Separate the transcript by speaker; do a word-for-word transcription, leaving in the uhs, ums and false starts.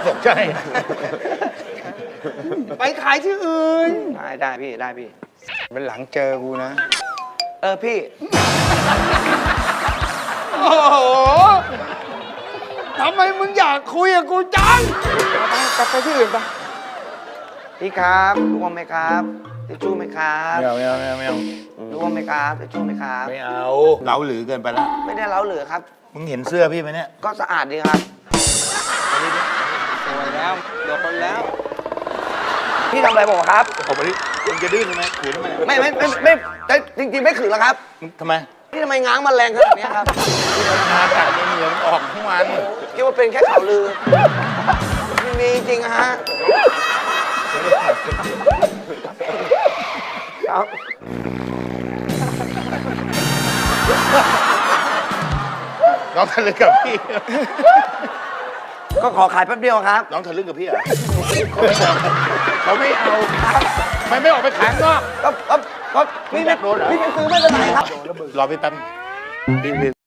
Speaker 1: ตกใจ
Speaker 2: ไปขายที่อื่น
Speaker 3: ได้ได้พี่ได้พี่
Speaker 1: เป็นหลังเจอกูนะ
Speaker 3: เออพี่
Speaker 2: โอ้โหทำไมมึงอยากคุยกับกูจัง
Speaker 3: ไปกลับไปที่อื่นไปพี่ครับร่วมไหมครับทิชชู่ไหมครับ
Speaker 1: ไม่เอาไม่เอาไม่เอาไม่เอา
Speaker 3: ร่วมไหมครับทิชชู่ไหมครับ
Speaker 1: ไม่เอาเล้าหรือเกินไปแล้ว
Speaker 3: ไม่ได้เล้าเหลือครับ
Speaker 1: มึงเห็นเสื้อพี่ไหมเนี่ย
Speaker 3: ก็สะอาดดีครับ
Speaker 2: สวยแล้วเดี๋ยวคนแล้ว
Speaker 3: พี่ทำอะไรผมครับ
Speaker 1: ผมไปดิมึงจะดื้อใช่ไหมขืนทำไม
Speaker 3: ไม่ไม่ไม่ไม่แต่จริงๆไม่ขืนหรอกครับ
Speaker 1: ทำไม
Speaker 3: พี่ทำไมง้างมันแรงขนาดนี้ครับ
Speaker 1: พี่ทำงานจากเหงื่อมันออกทั้งวัน
Speaker 3: คิดว่าเป็นแค่ข่าวลือไม่มีจริงฮะครับ
Speaker 1: น้องทะลึ่งกับพี่
Speaker 3: ก็ขอขายแป๊บเดียวครับ
Speaker 1: น้องทะลึ่งกับพี่เหรอเขาไม่เอาครับไม่ไม่ออกไปขายข้างนอก
Speaker 3: ก็ก็ก็พี่ไม่พี่ไม่ซื้อไม่เป็นไรครับ
Speaker 1: รอพี่แป๊บพี่